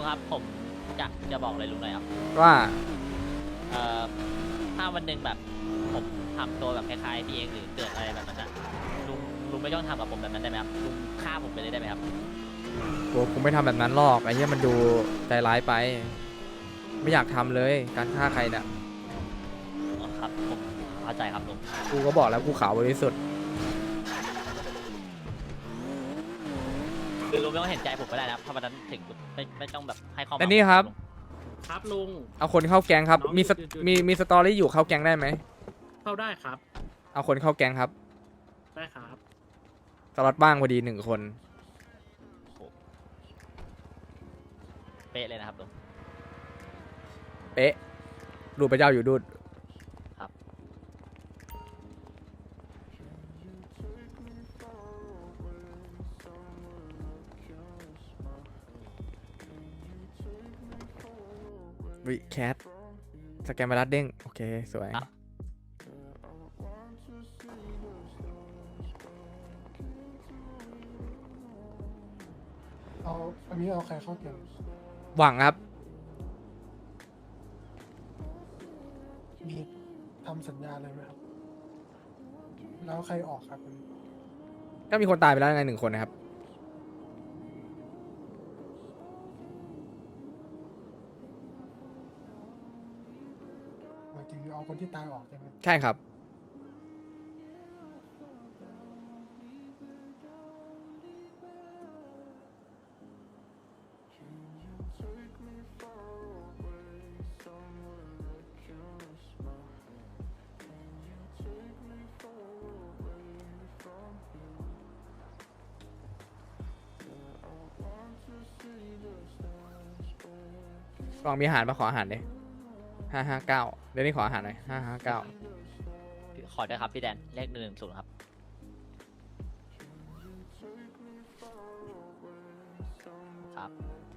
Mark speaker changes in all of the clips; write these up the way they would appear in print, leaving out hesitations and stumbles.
Speaker 1: งครับผมจะบอกอะไรลุงหน่อยครับ
Speaker 2: ว่า
Speaker 1: เอ่อถ้าวันหนึ่งแบบผมทำตัวแบบคล้ายๆพี่เองหรือเกิดอะไรแบบนั้นอะลุงลุงไม่ต้องทำกับผมแบบนั้นได้ไหมครับลุงฆ่าผมไปเลยได้ไหมครับ
Speaker 2: กูไม่ทำแบบนั้นหรอกไอ้เหี้ยมันดูใจร้ายไป ไม่อยากทำเลยการฆ่าใครเนี่ย
Speaker 1: อ๋อครับผมเข้าใจครับลุง
Speaker 2: กูก็บอกแล้วกูขาวบริสุทธิ์
Speaker 1: คือลุงไม่ต้องเห็นใจผมก็ได้นะครับถ้าวันนั้นถึงไม่ต้องแบบให้ความห
Speaker 2: อั
Speaker 1: วั
Speaker 2: น
Speaker 1: ง
Speaker 2: นี้ครับ
Speaker 1: ลุง
Speaker 3: ครับลุง
Speaker 2: เอาคนเข้าแก๊งครับ
Speaker 3: น้อง
Speaker 2: มี
Speaker 3: หยุดหยุดหยุด
Speaker 2: มีสตอรี่อยู่เข้าแก๊งได้ไหม
Speaker 3: เข้าได้ครับ
Speaker 2: เอาคนเข้าแก๊งครับ
Speaker 3: ได้ครับ
Speaker 2: สล็อตบ้างพอดี1 คน
Speaker 1: โอ้โหเป๊ะเลยนะครับลุง
Speaker 2: เป๊ะดูพระเจ้าอยู่ดูด
Speaker 1: ครับ
Speaker 2: วิแคทสแกนไวรัสเด้งโอเคสวย
Speaker 1: ครับ
Speaker 4: เอาอันนี้เอาใครเข้าเกม
Speaker 2: หวังครับ
Speaker 4: มีทำสัญญาอะไรไหมครับ แล้วใครออกครับอันนี้
Speaker 2: ก็มีคนตายไปแล้วไง1 คนนะครับ
Speaker 4: หมายถึงเอาคนที่ตายออกใช่ไหม
Speaker 2: ใช่ครับ กล่องมีอาหารมาขออาหารดิ559เดี๋ยวนี้ขออาหารหน่อย559
Speaker 1: ขอด้วยครับพี่แดนเลข110ครับครับ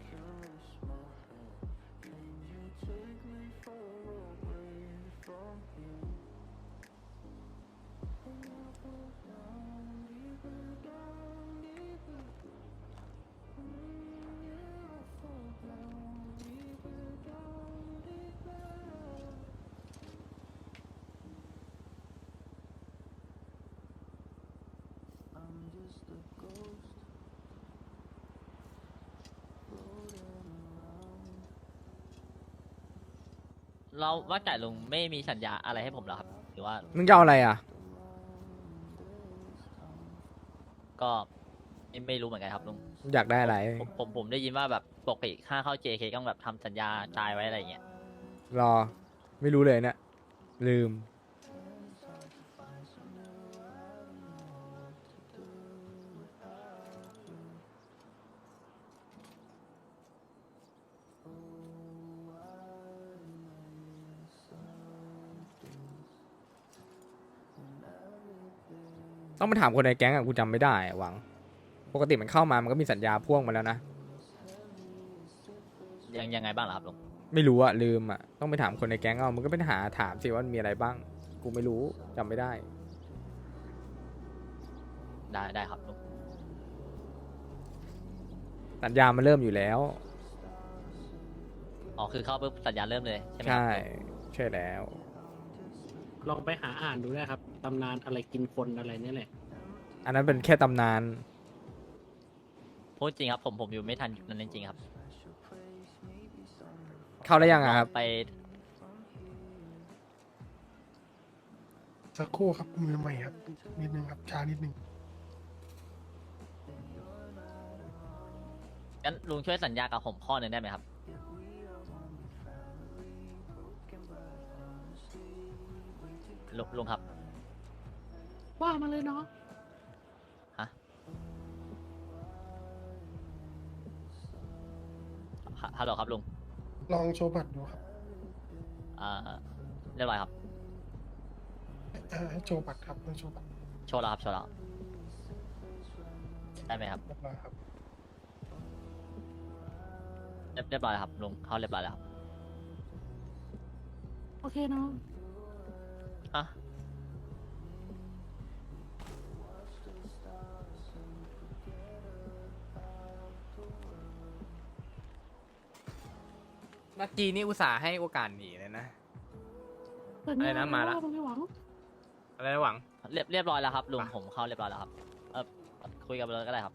Speaker 1: เราว่าแต่ลุงไม่มีสัญญาอะไรให้ผมเหรอครับหรือว่า
Speaker 2: มึงจะเอาอะไรอ่ะ
Speaker 1: ก็ไม่รู้เหมือนกันครับลุง
Speaker 2: อยากได้อะไร
Speaker 1: ผมได้ยินว่าแบบปกติค่าเข้า JK ต้องแบบทำสัญญาตายไว้อะไรอย่างเงี้ย
Speaker 2: รอ ไม่รู้เลยเนี่ย ลืม ต้องไปถามคนในแก๊งอ่ะกูจำไม่ได้อะหวัง ปกติมันเข้ามามันก็มีสัญญาพ่วงมาแล้วนะ
Speaker 1: ยังไงบ้างเหรอครับลุง
Speaker 2: ไม่รู้อะลืมอะต้องไปถามคนในแก๊งเอามึงก็ไปหาถามสิว่ามันมีอะไรบ้าง กูไม่รู้จำไม่ได้
Speaker 1: ได้ครับลุง
Speaker 2: สัญญามันเริ่มอยู่แล้ว
Speaker 1: อ๋อคือเข้าปุ๊บสัญญาเริ่มเลยใช่ไหมค
Speaker 2: ใช่
Speaker 1: รับ
Speaker 2: ใช่แล้ว
Speaker 3: ลองไปหาอ่านดูได้ครับ ตำนานอะไรกินคนอะไรเนี่ยแหละ
Speaker 2: อันนั้นเป็นแค่ตำนาน
Speaker 1: พูดจริงครับผมอยู่ไม่ทันยุคนั้นจริงๆครับ
Speaker 2: เข้าได้ยังอะครับ
Speaker 1: ไป
Speaker 4: สักครู่ครับมือใหม่ครับ นิดนึงครับ ช้านิดนึง
Speaker 1: งั้นลุงช่วยสัญญากับผมข้อหนึ่งได้ไหมครับลุงครับ
Speaker 3: ว่ามาเลยเนาะ
Speaker 1: ฮะฮัลโหลครับลุง
Speaker 4: ลองโชว์บัตรดูครับ
Speaker 1: อ่าเรียบร้อยครับ
Speaker 4: ให้โชว์บัตรครับให้โชว์บัตร
Speaker 1: โชว์แล้วครับโชว์แล้วได้ไหมครับ
Speaker 4: เรียบร้อยครับ
Speaker 1: เรียบร้อยแล้วครับลุงเข้าเรียบร้อยแล้วครับ
Speaker 3: โอเคเนาะ
Speaker 1: ฮะ
Speaker 2: เมื่อกี้นี่อุตส่าห์ให้โอกาสหนีเลยนะ อะไรนะมาละ
Speaker 3: ไม่หวัง
Speaker 2: อะไรนะหวัง
Speaker 1: เรียบร้อยแล้วครับลุง
Speaker 2: อ่ะ
Speaker 1: ผมเข้าเรียบร้อยแล้วครับเออคุยกับเลยก็ได้ครับ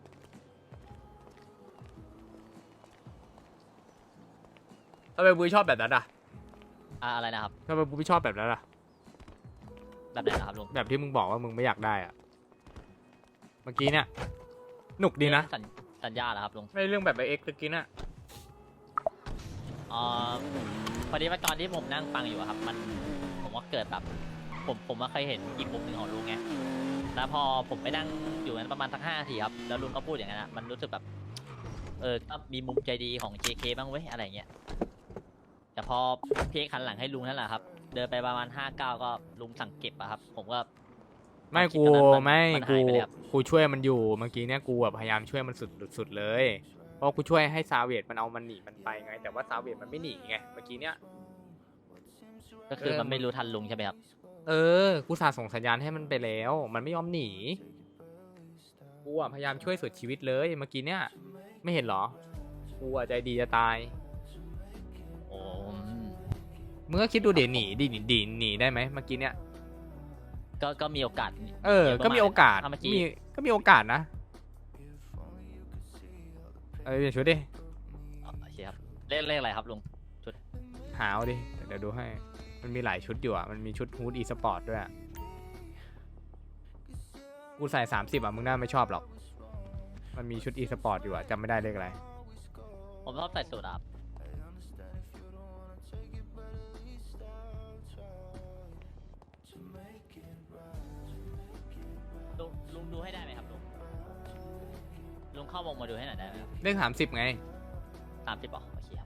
Speaker 2: ทำไมบูชอบแบบนั้นอ่ะ
Speaker 1: อะไรนะครับ
Speaker 2: ทำไมบูไม่ชอบแบบนั้นอ่ะ
Speaker 1: แบบไหนนะครับลุง
Speaker 2: แบบที่มึงบอกว่ามึงไม่อยากได้อ่ะ เมื่อกี้เนี่ยหนุกดีนะ
Speaker 1: สัญญาเหรอครับลุง
Speaker 2: ไม่เรื่องแบบไอเอ็กซ์ตะกี้น่ะ
Speaker 1: อ๋อพอดีว่าตอนที่ผมนั่งฟังอยู่อะครับ ผมก็เกิดแบบผมก็เคยเห็นอีกมุมหนึ่งของลุงไงแล้วพอผมไปนั่งอยู่นั้นประมาณสัก5 นาทีครับแล้วลุงก็พูดอย่างนั้นอะมันรู้สึกแบบก็มีมุมใจดีของ JK บ้างเว้ยอะไรเงี้ยแต่พอพี่เอกหันหลังให้ลุงนั่นแหละครับเดินไปประมาณ5 ก้าวก็ลุงสั่งเก็บอะครับ ผมก็
Speaker 2: ไม่กู
Speaker 1: ความคิดตอนนั้น
Speaker 2: ไม่
Speaker 1: มัน
Speaker 2: กู
Speaker 1: หายไปเลยครับ
Speaker 2: กูช่วยมันอยู่เมื่อกี้เนี่ยกูแบบพยายามช่วยมันสุดเลย เพราะกูช่วยให้ซาเวตมันเอามันหนีมันไปไง แต่ว่าซาเวตมันไม่หนีไงเมื่อกี้เนี่ย
Speaker 1: ก็คือมันไม่รู้ทันลุงใช่ไหมครับ
Speaker 2: กูสาส่งสัญญาณให้มันไปแล้ว มันไม่ยอมหนีกูอะพยายามช่วยสุดชีวิตเลยเมื่อกี้เนี่ยไม่เห็นเหรอกูอะใจดีจะตาย
Speaker 1: โอ้
Speaker 2: มึงก็คิดดูเดี๋ยวหนีหนีได้ไหมเมื่อกี้เนี่ย
Speaker 1: ก็มีโอกาส
Speaker 2: ก็มีโอกาส
Speaker 1: ถ้เมื่อกี้
Speaker 2: ก็มีโอกาสนะเปลี่ยนชุดดิ
Speaker 1: โอเคครับเลขอะไรครับลุง
Speaker 2: หาเอาดิเดี๋ยวดูให้มันมีหลายชุดอยู่อ่ะมันมีชุดฮูดอีสปอร์ตด้วยอะกูใส่30อ่ะมึงน่าไม่ชอบหรอกมันมีชุดอีสปอร์ตอยู่อ่ะจำไม่ได้เลขอะไร
Speaker 1: ผมชอบใส่สูทอะครับลุงดูให้ได้ไหมครับลุงเข้าวงมาดูให้หน่อยได้ไหมครับ
Speaker 2: เลข30ไง
Speaker 1: 30บอกโอเคครับ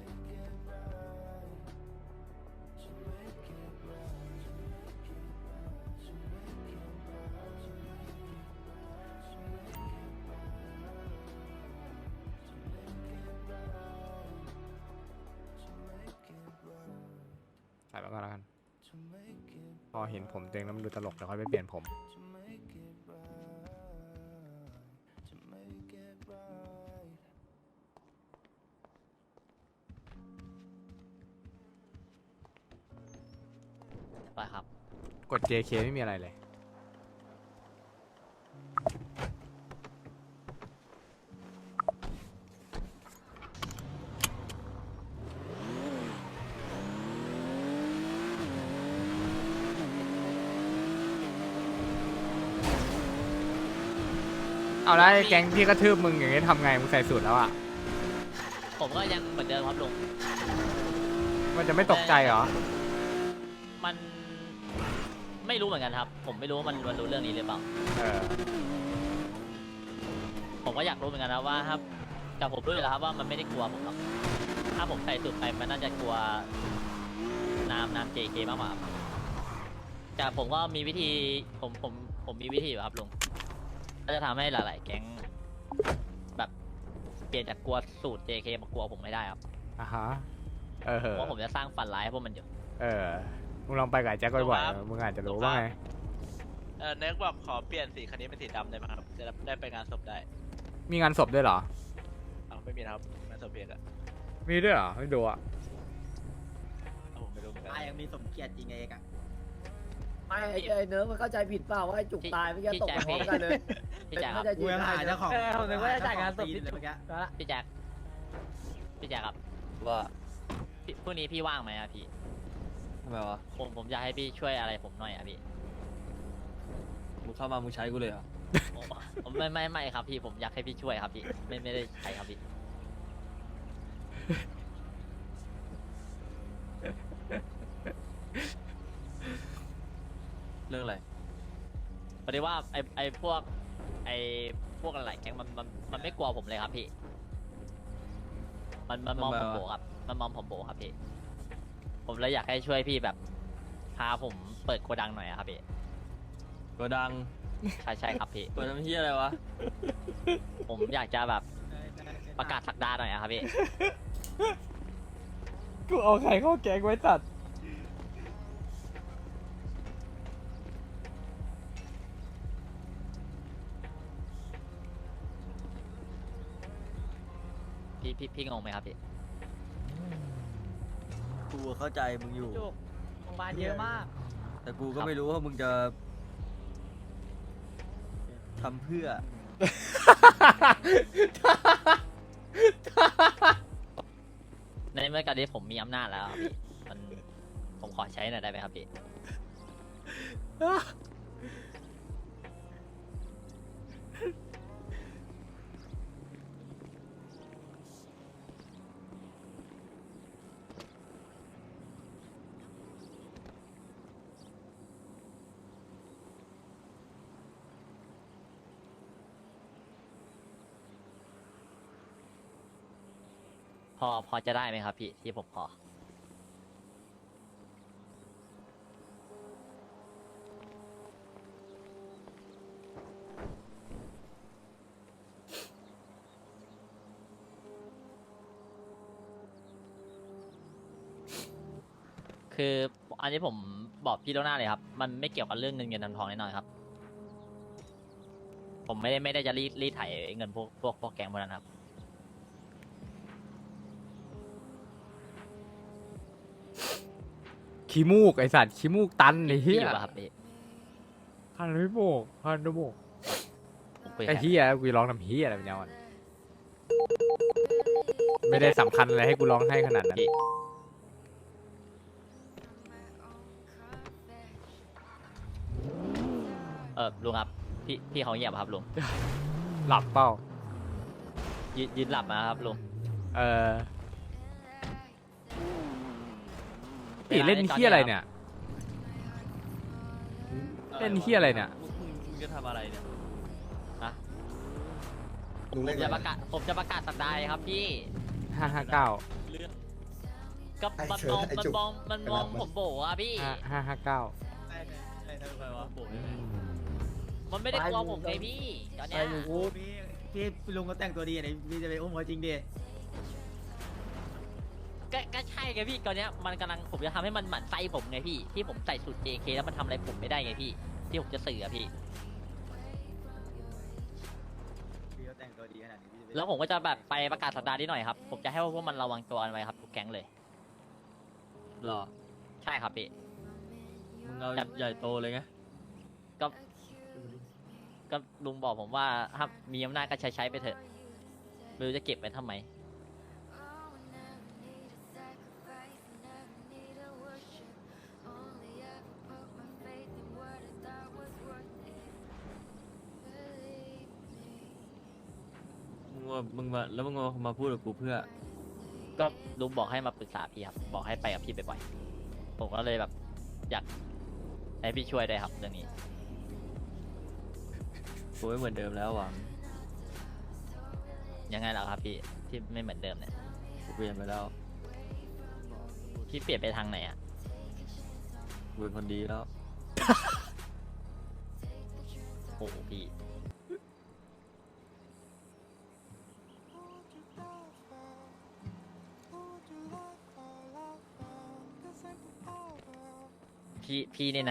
Speaker 2: ใส่ไปก่อนแล้วกัน พอเห็นผมตัวเองแล้วมันดูตลกเดี๋ยวค่อยไปเปลี่ยนผม
Speaker 1: ไปครับ
Speaker 2: กด JK ไม่มีอะไรเลย เอาแล้วไอ้แก๊งที่กระทืบมึงอย่างงี้ทำไงมึงใส่สูตรแล้วอ่ะ
Speaker 1: ผมก็ยังเหมือนเดิมครับลุง
Speaker 2: มันจะไม่ตกใจเหรอ
Speaker 1: มันไม่รู้เหมือนกันครับ ผมไม่รู้ว่ามันรู้เรื่องนี้หรือเปล่า
Speaker 2: เออ
Speaker 1: ผมก็อยากรู้เหมือนกันนะว่าครับแต่ผมรู้อยู่แล้วครับว่ามันไม่ได้กลัวผมหรอกถ้าผมใส่สูตรไปมันน่าจะกลัวน้ำ JK มากกว่าครับแต่ผมก็มีวิธีผมมีวิธีอยู่ครับลุงก็จะทำให้หลาย ๆ แก๊งแบบเปลี่ยนจากกลัวสูตร JK มากลัวผมไม่ได้ครับ
Speaker 2: อ่ะฮะ เออ
Speaker 1: เพราะผมจะสร้างฝันร้ายให้พวกมันอยู่
Speaker 2: เออ มึงลองไปกับไอ้แจ็คบ่อยๆมึงอาจจะรู้ว่าไง
Speaker 5: เน็กบอกขอเปลี่ยนสีคันนี้เป็นสีดำได้ไหมครับ จะได้ไปงานศพได้
Speaker 2: มีงานศพด้วยเหรอ
Speaker 5: อ้าวไม่มีนะครับงานศพเพียกอะ
Speaker 2: มีด้วยเหรอ ไม่ดูอ่ะ
Speaker 5: อ้าวผมไม่รู้เหมือนกัน
Speaker 6: ยังมีสมเกียรติจริงไงเอกอะไม่ไอ้เนิร์ฟมันเข้าใจผิดเปล่าว่าไอ้จุกตายเมื่อกี้ตกมาพร้อมกันเลย
Speaker 1: พี่แจ็คครับ
Speaker 6: กูยังหาเจ้าของ
Speaker 7: ผมนึกว่าจะจ่ายงานศพ
Speaker 6: เลยเมื่อกี้
Speaker 1: พี่แจ็คครับ
Speaker 7: ว่า
Speaker 1: พรุ่งนี้พี่ว่างไหมอะพี่
Speaker 7: ทำไมวะ
Speaker 1: ผมอยากให้พี่ช่วยอะไรผมหน่อยอะพี่
Speaker 7: มึงเข้ามามึงใช้กูเลยเหรอ
Speaker 1: ผมไม่ครับพี่ผมอยากให้พี่ช่วยครับพี่ไม่ได้ใช้ครับพี่
Speaker 7: เรื่องอะไร
Speaker 1: พอดีว่าไอพวกหลายๆแก๊งมันไม่กลัวผมเลยครับพี่มันมองผมโบครับมันมองผมโบครับพี่ผมเลยอยากให้ช่วยพี่แบบพาผมเปิดโกดังหน่อยอะครับพี่
Speaker 7: โกดัง
Speaker 1: ใช่ครับพี่
Speaker 7: เปิดน้ำเฮียอะไรวะ
Speaker 1: ผมอยากจะแบบประกาศสักดาหน่อยอะครับพี่
Speaker 2: กูเอาไข่เข้าแกงไว้ตัด
Speaker 1: พี่งงไหมครับพี่
Speaker 7: เข้าใจมึงอยู่
Speaker 1: จุกโรงพยาบาลเยอะมาก
Speaker 7: แต่กูก็ไม่รู้ว่ามึงจะทำเพื่อ
Speaker 1: ในเมื่อการที่ผมมีอำนาจแล้วครับพี่มันผมขอใช้หน่อยได้ไหมครับพี่ พอจะได้ไหมครับพี่ที่ผมขอ คืออันนี้ผมบอกพี่ล่วงหน้าเลยครับ มันไม่เกี่ยวกับเรื่องเงินทองแน่นอนครับ ผมไม่ได้จะรีดไถเงินพวกแก๊งพวกนั้นครับ
Speaker 2: ขี้มูกไอสัตว์ขี้มูกตันไอ้เหี้
Speaker 1: พี่
Speaker 2: ย
Speaker 1: อยู่ป่ะครับพี่
Speaker 2: พันไม่โบกพันไม่โบก
Speaker 1: ผมคุยกับ
Speaker 2: ไอ้
Speaker 1: ใคร
Speaker 2: เหี้ยกูร้องทำเหี้ยอะไรเป็นยังไงไม่ได้สำคัญอะไรให้กูร้องให้ขนาดนั้น
Speaker 1: พี่ลุงครับพี่เขาเงียบครับลุง
Speaker 2: หลับเปล่า
Speaker 1: ยืนหลับมาครับลุง
Speaker 2: เออปีเล่นเหี้ยอะไรเนี่ย เล่นเหี้ยอะไรเนี่ย
Speaker 7: มึงจะทำอะไรเนี่ย
Speaker 1: นะ
Speaker 8: ลุง
Speaker 1: ผ
Speaker 8: เล่น
Speaker 1: มจะประกาศสัปดาห์เลยครับพี่
Speaker 2: 559
Speaker 1: เรื่องก็มันมองผมโบอ่ะพี่
Speaker 2: 559
Speaker 7: ได้ทำไมวะโบย
Speaker 1: มันไม่ได้กลัวผมไงพี่ตอนเนี้ย
Speaker 9: พี่ลุงก็แต่งตัวดีไหนพี่จะไปอุ้มเขาจริงดิ
Speaker 1: ก็ใช่ไงพี่ตอนเนี้ยมันกำลังผมจะทำให้มันหมั่นไส้ผมไงพี่ที่ผมใส่สูตร JK แล้วมันทำอะไรผมไม่ได้ไงพี่ที่ผมจะสื่ออะพี่
Speaker 9: พี่ก็แต่งตัวดีขนาดนี้พี่จะไป
Speaker 1: แล้วผมก็จะแบบไปประกาศสัปดาห์นี้หน่อยครับผมจะให้พวกมันระวังตัวกันไว้ครับทุกแก๊งเลย
Speaker 7: หรอ
Speaker 1: ใช่ครับพี่
Speaker 7: มึงเอาใหญ่โตเลยไง
Speaker 1: ก็ลุงบอกผมว่าถ้ามีอำนาจก็ใช้ไปเถอะไม่รู้จะเก็บไว้ทำไม
Speaker 7: มึงมาพูดกับกูเพื่อ
Speaker 1: ก็ลุงบอกให้มาปรึกษาพี่ครับบอกให้ไปกับพี่บ่อยๆผมก็เลยแบบอยากให้พี่ช่วยได้วยครับเรื่องนี้
Speaker 7: กูไม่เหมือนเดิมแล้วหวัง
Speaker 1: ยังไงล่ะครับพี่ที่ไม่เหมือนเดิมเนี่ย
Speaker 7: กูเปลี่ยนไปแล้ว
Speaker 1: พี่เปลี่ยนไปทางไหนอ่ะ
Speaker 7: กูเป็นคนดีแล้ว
Speaker 1: โอ้โหพี่พี่นี่นะ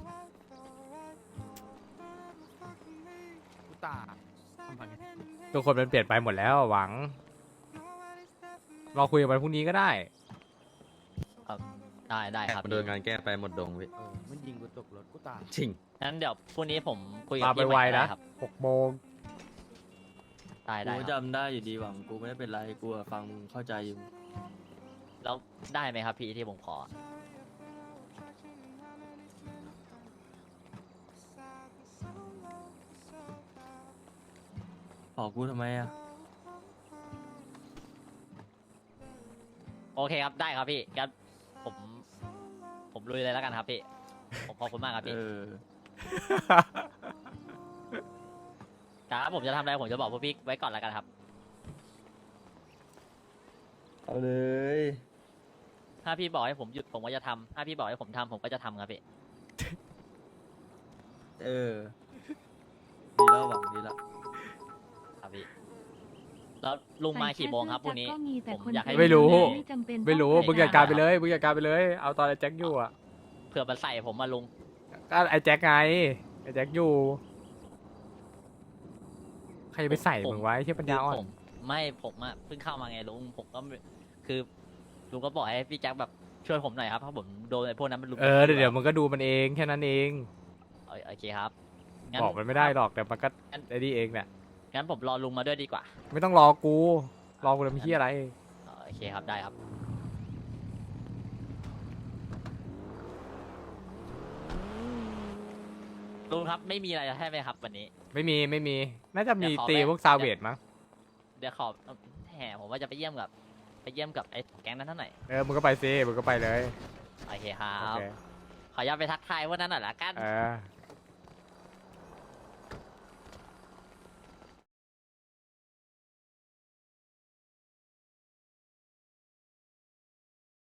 Speaker 2: ทุกคนมันเปลี่ยนไปหมดแล้วหวัง เราคุยกันวันพรุ่งนี้ก็ได้
Speaker 1: ได้ครับ
Speaker 8: โดนงานแก้ไปหมดดงพี่
Speaker 9: มันยิงกูตกรถกูตาย
Speaker 8: จริง
Speaker 1: งั้นเดี๋ยวพรุ่งนี้ผมคุยกับ
Speaker 2: มาไป
Speaker 1: พี่
Speaker 2: ไว
Speaker 1: ใหม่
Speaker 2: นะ
Speaker 1: ได้ครับ
Speaker 2: 6 โมง
Speaker 1: ได้
Speaker 7: กูก็
Speaker 1: ครับ
Speaker 7: จำได้อยู่ดีหวัง กูไม่ได้เป็นไร กูอะฟังมึงเข้าใจอยู่
Speaker 1: แล้วได้ไหมครับพี่ที่ผมขอ
Speaker 7: ขอกูทำไมอะ
Speaker 1: โอเคครับได้ครับพี่งั้นผมลุยเลยแล้วกันครับพี่ผมขอบคุณมากครับพี่ ครับผมจะทำอะไรผมจะบอกพวกพี่ไว้ก่อนแล้วกันครับ
Speaker 7: เอาเลย
Speaker 1: ถ้าพี่บอกให้ผมหยุดผมก็จะทำถ้าพี่บอกให้ผมทำผมก็จะทำครับพี่
Speaker 7: ดีแล้วหวังดีแล้ว
Speaker 1: ครับพี่แล้วลุงมากี่โมงครับพรุ่งนี้ผมอยากให้
Speaker 2: ไม่รู้
Speaker 1: ไม่รู้
Speaker 2: มึงจัดการไปเลยมึงจัดการไปเลย เอาตอนไอ้แจ็คอยู่อ่ะ
Speaker 1: เผื่อมันใส่ผมมาลุง
Speaker 2: ก็ไอ้แจ็คไงไอ้แจ็คอยู่ ใครจะไปใส่มึงไว้ที่ปัญญาอ่อน
Speaker 1: ผมไม่ผมอะเพิ่งเข้ามาไงลุงผมก็คือลุงก็บอกให้พี่แจ็คแบบช่วยผมหน่อยครับเพราะผมโดนไอ้พวกนั้นมันลุม
Speaker 2: เดี๋ยวมันก็ดูมันเองแค่นั้นเอง
Speaker 1: โอเคครับงั้
Speaker 2: บอกมันไม่ได้หรอกแต่มันก็ไอ้นี่เองเนี่ย
Speaker 1: งั้นผมรอลุงมาด้วยดีกว่า
Speaker 2: ไม่ต้องรอกูทำเฮียอะไร
Speaker 1: โอเคครับได้ครับลุงครับไม่มีอะไรใช่ไหมครับวันนี้
Speaker 2: ไม่มีน่าจะมี
Speaker 1: เดี๋ยวขอ
Speaker 2: ตี
Speaker 1: แวะ
Speaker 2: พวกซาเวดมั้ง
Speaker 1: เดี๋ยวขอแหมผมว่าจะไปเยี่ยมกับไอ้แก๊งนั้นเท่าไหร่
Speaker 2: มึงก็ไปซิมึงก็ไปเลย
Speaker 1: โอเคครั
Speaker 2: โอบ เค
Speaker 1: ขออนุญาตไปทักทายพวกนั้นหน่อยละกัน
Speaker 2: เออ